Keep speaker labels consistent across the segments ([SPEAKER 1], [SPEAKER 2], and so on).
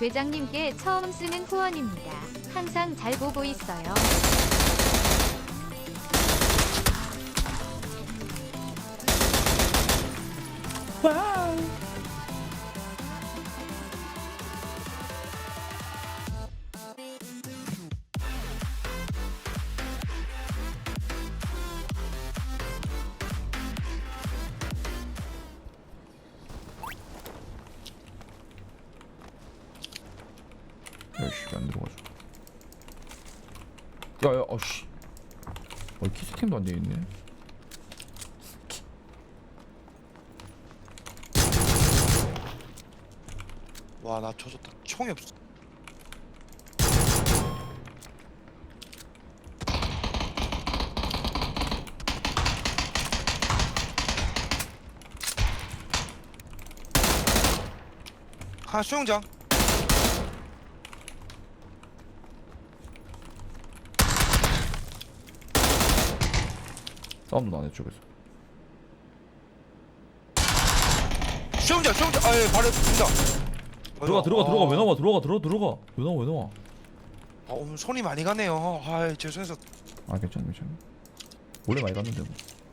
[SPEAKER 1] 대장님께 처음 쓰는 후원입니다. 항상 잘 보고 있어요.
[SPEAKER 2] 와우. 야씨 안 들어가죠. 야야 어씨. 키스템도 안 돼 있네.
[SPEAKER 3] 와, 나 조졌다. 총이 없어. 하나 수영장.
[SPEAKER 2] 싸움도 나네 쪽에서.
[SPEAKER 3] 수영장. 아예 바로 붙는다.
[SPEAKER 2] 들어가 왜 나와 들어가 왜 나와.
[SPEAKER 3] 아, 오늘 손이 많이 가네요. 아, 죄송해서.
[SPEAKER 2] 아 괜찮아. 원래 많이 갔는데 뭐.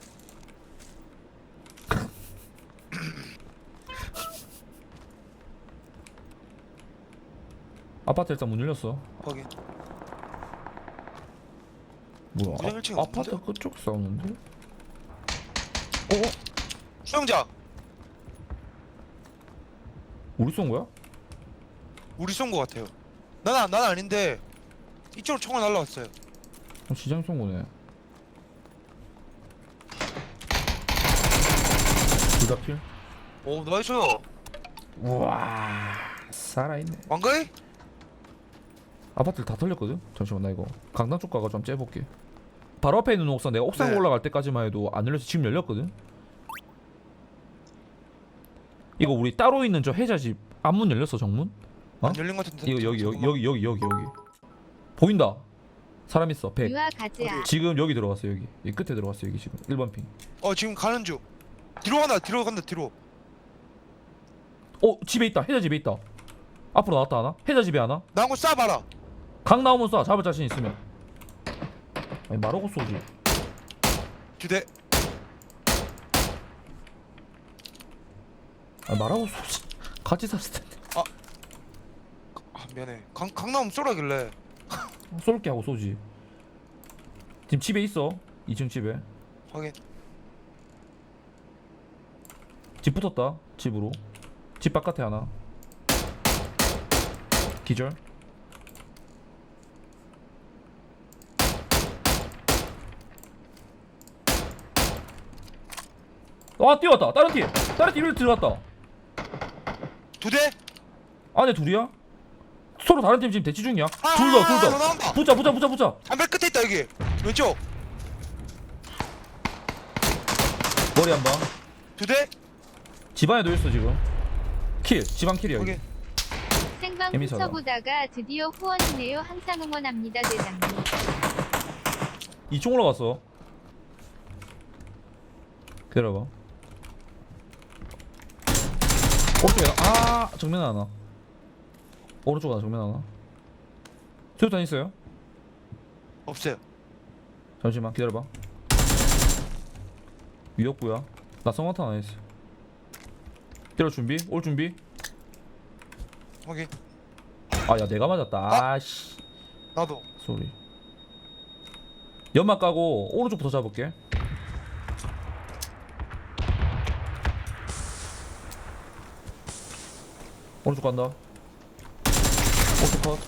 [SPEAKER 2] 아파트 일단 문 열렸어.
[SPEAKER 3] 거기.
[SPEAKER 2] 뭐야?
[SPEAKER 3] 그냥 1층
[SPEAKER 2] 아파트
[SPEAKER 3] 없는데?
[SPEAKER 2] 그쪽 싸우는데?
[SPEAKER 3] 수영장.
[SPEAKER 2] 우리 쏜 거야?
[SPEAKER 3] 우리 쏜 거 같아요. 난 아닌데 이쪽으로 총알 날라왔어요.
[SPEAKER 2] 시장 쏜 거네. 둘 다 킬?
[SPEAKER 3] 오, 나이스.
[SPEAKER 2] 우와 살아있네.
[SPEAKER 3] 왕가이?
[SPEAKER 2] 아파트를 다 털렸거든? 잠시만 나 이거 강남 쪽 가가 좀 째볼게. 바로 앞에 있는 옥상 내가 옥상
[SPEAKER 3] 네.
[SPEAKER 2] 올라갈 때까지만 해도 안 열려서 지금 열렸거든? 이거 우리 따로 있는 저 해자집 앞문 열렸어 정문? 어?
[SPEAKER 3] 안 열린 거 같은데.
[SPEAKER 2] 이거 여기 보인다. 사람 있어 100.
[SPEAKER 1] 유아 가즈아.
[SPEAKER 2] 지금 여기 들어갔어 여기 끝에 들어갔어 여기 지금 1번 핑.
[SPEAKER 3] 지금 가는 중. 뒤로 간다.
[SPEAKER 2] 집에 있다. 해자 집에 있다. 앞으로 나왔다 하나? 해자 집에 하나?
[SPEAKER 3] 나 한 거 쏴봐라.
[SPEAKER 2] 강 나오면 쏴. 잡을 자신 있으면. 아니 말하고 쏘지.
[SPEAKER 3] 2대.
[SPEAKER 2] 아니 말하고 쏘지. 같이 쐈을 텐데.
[SPEAKER 3] 아, 미안해. 강남 쏘라길래.
[SPEAKER 2] 쏠게 하고 쏘지. 지금 집에 있어. 2층 집에.
[SPEAKER 3] 확인.
[SPEAKER 2] 집 붙었다. 집으로. 집 바깥에 하나. 기절. 뛰어왔다. 다른 팀 들어갔다.
[SPEAKER 3] 2대.
[SPEAKER 2] 안에 둘이야? 서로 다른 팀 지금 대치 중이야.
[SPEAKER 3] 아,
[SPEAKER 2] 둘 더.
[SPEAKER 3] 나온다.
[SPEAKER 2] 붙자.
[SPEAKER 3] 담배 끝에 있다 여기. 왼쪽.
[SPEAKER 2] 머리 한 방.
[SPEAKER 3] 2대.
[SPEAKER 2] 집안에도 있어 지금. 집안 킬이야.
[SPEAKER 3] 확인.
[SPEAKER 2] 여기.
[SPEAKER 1] 생방
[SPEAKER 2] 재밌어라.
[SPEAKER 1] 훔쳐보다가 드디어 후원이네요. 항상 응원합니다 대장님.
[SPEAKER 2] 2층 올라갔어. 기다려봐. 오른쪽에 정면 하나. 오른쪽 하나 정면 하나. 수류탄 있어요?
[SPEAKER 3] 없어요.
[SPEAKER 2] 잠시만 기다려봐. 위협구야. 나 성화탄 안 했어. 때려 준비? 올 준비?
[SPEAKER 3] 확인.
[SPEAKER 2] 야 내가 맞았다. 아씨.
[SPEAKER 3] 나도.
[SPEAKER 2] 소리. 연막 까고 오른쪽부터 잡을게. 오른쪽 간다. 오른쪽 컷.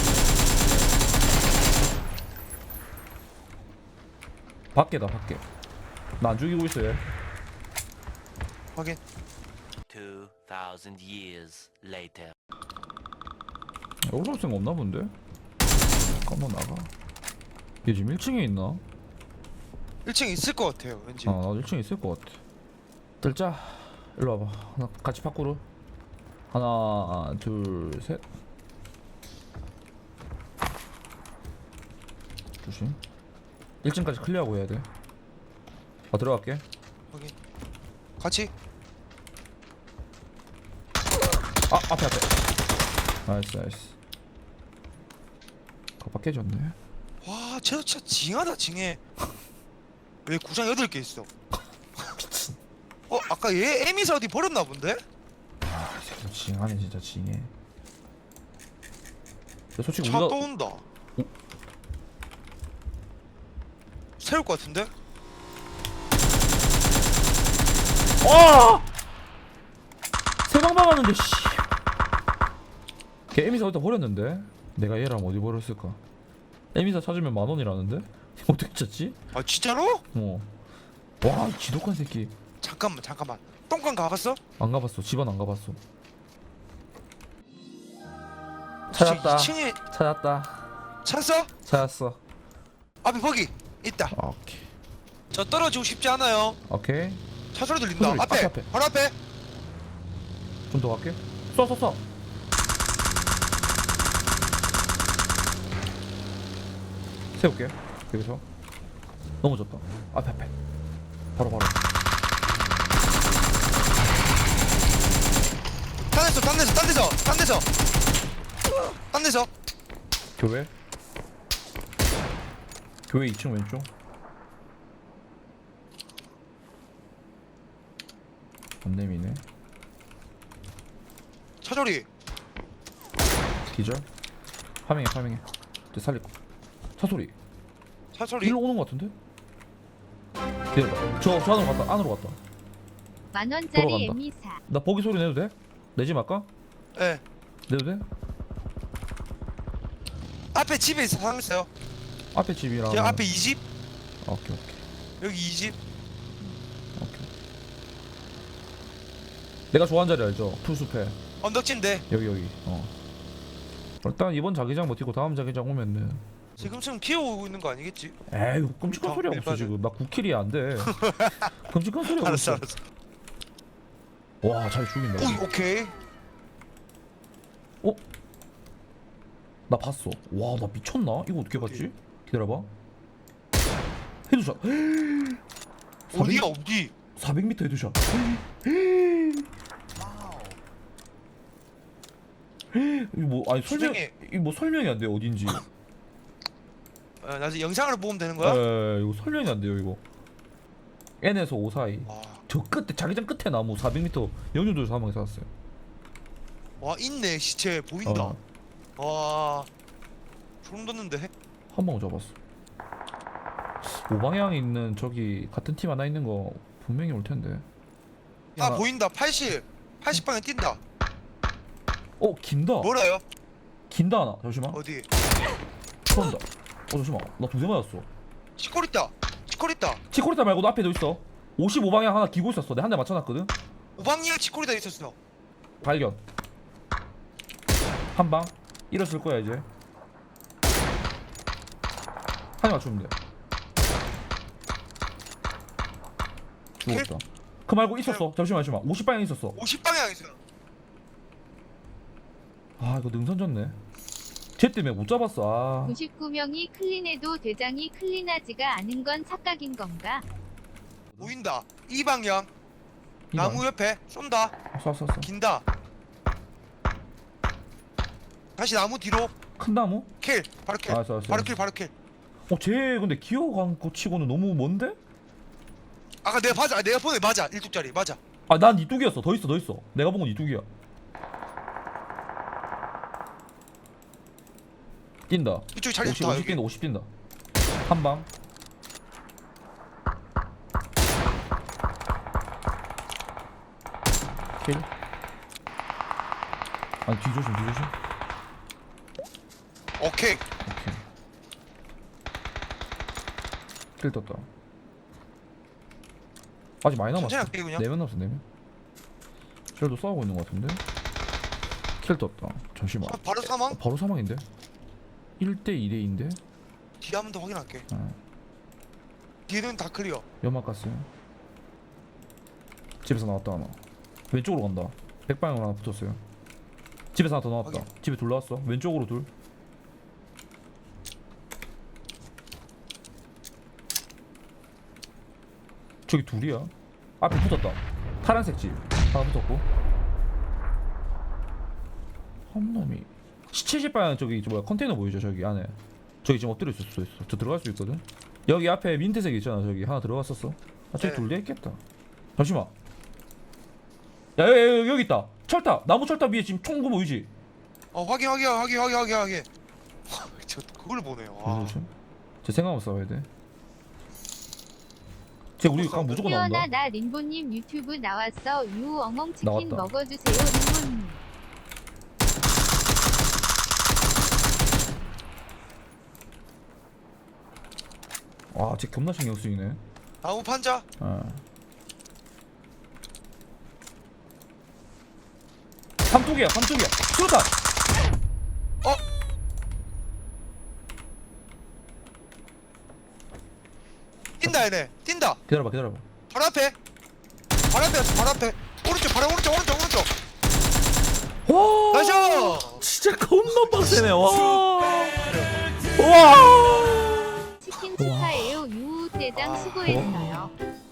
[SPEAKER 2] 밖에다 밖에. 나 안 죽이고 있어 얘.
[SPEAKER 3] 확인.
[SPEAKER 4] 2,000 years later.
[SPEAKER 2] 올라올 생각 없나 본데? 잠깐만 나가. 얘 지금 1층에 있나?
[SPEAKER 3] 1층 있을 것 같아요. 왠지.
[SPEAKER 2] 나도 1층에 있을 것 같아. 들자. 일로 와봐. 하나 같이 파쿠르. 하나 둘 셋. 조심. 1층까지 클리어하고 해야 돼. 들어갈게.
[SPEAKER 3] 확인. 같이.
[SPEAKER 2] 앞에 나이스 나이스. 가방 깨졌네.
[SPEAKER 3] 와, 쟤도 진짜 징하다 징해. 왜 구상 8개 있어? 아까 얘 에미사 어디 버렸나 본데?
[SPEAKER 2] 아, 이 새끼 징하네 진짜 징해. 근데 솔직히
[SPEAKER 3] 차
[SPEAKER 2] 우리가
[SPEAKER 3] 또 온다. 세울 것 같은데?
[SPEAKER 2] 세방 박았는데 씨. 걔 에미사 어디다 버렸는데? 내가 얘랑 어디 버렸을까? 에미사 찾으면 10,000원이라는데? 어떻게 찾지?
[SPEAKER 3] 아 진짜로?
[SPEAKER 2] 와, 이 지독한 새끼.
[SPEAKER 3] 잠깐만. 똥강 가봤어?
[SPEAKER 2] 안 가봤어. 집안 안 가봤어.
[SPEAKER 3] 진짜
[SPEAKER 2] 찾았다.
[SPEAKER 3] 2층에
[SPEAKER 2] 찾았다.
[SPEAKER 3] 찾았어?
[SPEAKER 2] 찾았어.
[SPEAKER 3] 앞에 거기 있다.
[SPEAKER 2] 오케이.
[SPEAKER 3] 저 떨어지고 싶지 않아요.
[SPEAKER 2] 오케이.
[SPEAKER 3] 차 소리 들린다.
[SPEAKER 2] 소리, 앞에.
[SPEAKER 3] 바로 앞에.
[SPEAKER 2] 좀 더 갈게. 쏴. 세울게. 여기서. 넘어졌다. 앞에. 바로.
[SPEAKER 3] 딴 데서.
[SPEAKER 2] 교회 2층 왼쪽. 안 내미네.
[SPEAKER 3] 차 소리.
[SPEAKER 2] 기절. 파밍해. 이제 살릴 거. 차 소리.
[SPEAKER 3] 차 소리.
[SPEAKER 2] 일로 오는 거 같은데? 기다려봐. 저 안으로 갔다.
[SPEAKER 1] 만원짜리
[SPEAKER 2] 돌아간다.
[SPEAKER 1] 에미사.
[SPEAKER 2] 나 보기 소리 내도 돼? 내지 말까?
[SPEAKER 3] 예.
[SPEAKER 2] 내도 돼?
[SPEAKER 3] 앞에 집에 있어. 사람 있어요.
[SPEAKER 2] 앞에 집이랑.
[SPEAKER 3] 제 앞에 2집.
[SPEAKER 2] 오케이.
[SPEAKER 3] 여기 2집.
[SPEAKER 2] 오케이. 내가 좋아하는 자리 알죠? 풀숲에.
[SPEAKER 3] 언덕진데.
[SPEAKER 2] 여기. 일단 이번 자기장 버티고 다음 자기장 오면은.
[SPEAKER 3] 지금쯤 피해오고 있는 거 아니겠지?
[SPEAKER 2] 에이, 끔찍한 소리 하고 있어
[SPEAKER 3] 일반은.
[SPEAKER 2] 지금. 나 9킬이 안 돼. 끔찍한 소리 하고
[SPEAKER 3] 알았어.
[SPEAKER 2] 있어. 와, 잘 죽인다.
[SPEAKER 3] 오, 오케이.
[SPEAKER 2] 나 봤어. 와, 나 미쳤나? 이거 어떻게 봤지? 기다려봐. 헤드샷.
[SPEAKER 3] 어디야 어디?
[SPEAKER 2] 400m 헤드샷. 이거 뭐 아니
[SPEAKER 3] 수정해.
[SPEAKER 2] 이거 뭐 설명이 안 돼 어딘지.
[SPEAKER 3] 나중에 영상으로 보면 되는 거야?
[SPEAKER 2] 이거 설명이 안 돼요 이거. N에서 5 사이. 저 끝에 자기장 끝에 나무 400m 영준도 사망에 살았어요.
[SPEAKER 3] 와 있네 시체 보인다. 와 소름 돋는데.
[SPEAKER 2] 한 방 잡았어. 5방향에 있는 저기 같은 팀 하나 있는 거 분명히 올 텐데.
[SPEAKER 3] 아
[SPEAKER 2] 나-
[SPEAKER 3] 보인다. 80방에 뛴다.
[SPEAKER 2] 긴다.
[SPEAKER 3] 뭐라요?
[SPEAKER 2] 긴다 하나. 잠시만.
[SPEAKER 3] 어디?
[SPEAKER 2] 쏜다. 잠시만. 나 2대 맞았어.
[SPEAKER 3] 치콜 있다.
[SPEAKER 2] 치코리타 말고도 앞에도 있어. 55방향 하나 기고 있었어. 내가 한 대 맞춰놨거든.
[SPEAKER 3] 오방이랑 치콜이다 있었어.
[SPEAKER 2] 발견. 한 방. 일었을 거야 이제. 한 대 맞추면 돼. 죽었다. 그 말고 있었어. 잠시만. 50방향 있었어.
[SPEAKER 3] 50방향 있어.
[SPEAKER 2] 아 이거 능선 졌네. 쟤 때문에 못 잡았어.
[SPEAKER 1] 99명이 클린해도 대장이 클린하지가 않은 건 착각인 건가?
[SPEAKER 3] 보인다. 이 방향.
[SPEAKER 2] 이 방.
[SPEAKER 3] 나무 옆에 쏜다.
[SPEAKER 2] 쏴.
[SPEAKER 3] 긴다. 다시 나무 뒤로.
[SPEAKER 2] 큰 나무?
[SPEAKER 3] 킬. 바로 킬.
[SPEAKER 2] 알았어.
[SPEAKER 3] 바로 킬.
[SPEAKER 2] 쟤 근데 기어간 거 치고는 너무 먼데?
[SPEAKER 3] 아까 내가 맞아. 내가 보내 맞아. 1뚝짜리 맞아.
[SPEAKER 2] 난 이뚝이었어. 더 있어. 내가 본 건 이뚝이야. 뛴다.
[SPEAKER 3] 이쪽이 자리
[SPEAKER 2] 50
[SPEAKER 3] 좋다. 여기.
[SPEAKER 2] 뛴다. 50 뛴다. 한 방. 킬. 아니 뒤조심.
[SPEAKER 3] 오케이.
[SPEAKER 2] 오케이. 킬 떴다. 아직 많이 남았어.
[SPEAKER 3] 천천히 할게 그냥.
[SPEAKER 2] 4명 남았어 4명. 쟤도 싸우고 있는 것 같은데. 킬 떴다. 잠시만.
[SPEAKER 3] 바로 사망.
[SPEAKER 2] 바로 사망인데? 1대 2대인데?
[SPEAKER 3] 뒤에 한 번 더 확인할게.
[SPEAKER 2] 어.
[SPEAKER 3] 뒤에는 다 클리어.
[SPEAKER 2] 연막 갔어요. 집에서 나왔다 하나. 왼쪽으로 간다. 100방향으로 하나 붙었어요. 집에서 하나 더 나왔다.
[SPEAKER 3] 확인.
[SPEAKER 2] 집에 둘 나왔어. 왼쪽으로 둘. 저기 둘이야. 앞에 붙었다. 파란색 집 하나 붙었고. 한 놈이 시체집 방향 저기 뭐야 컨테이너 보이죠 저기 안에. 저기 지금 엎드려 있을 수 있어. 저 들어갈 수 있거든. 여기 앞에 민트색 있잖아. 저기 하나 들어갔었어. 아 저기
[SPEAKER 3] 네.
[SPEAKER 2] 둘 돼 있겠다. 잠시만. 야 여기 있다. 철탑 나무 철탑 위에 지금 총구 보이지?
[SPEAKER 3] 확인. 저 그걸 보네요. 와.
[SPEAKER 2] 조심. 제 생각 없어 싸워야 돼. 쟤 우리 강 무조건 나온다.
[SPEAKER 1] 태어나 나 림보님 유튜브 나왔어. 유 엉엉 치킨
[SPEAKER 2] 나왔다.
[SPEAKER 1] 먹어주세요 림보님.
[SPEAKER 2] 와, 쟤 겁나 신경 쓰이네.
[SPEAKER 3] 나무 판자.
[SPEAKER 2] 삼쪽이야. 수류탄.
[SPEAKER 3] 뛴다 얘네. 뛴다.
[SPEAKER 2] 기다려봐.
[SPEAKER 3] 바로 앞에. 바로 앞에. 오른쪽.
[SPEAKER 2] 와,
[SPEAKER 3] 나이스.
[SPEAKER 2] 진짜 겁나 빡세네. 와.
[SPEAKER 1] 치킨 축하해요. 유 대장 수고했어요.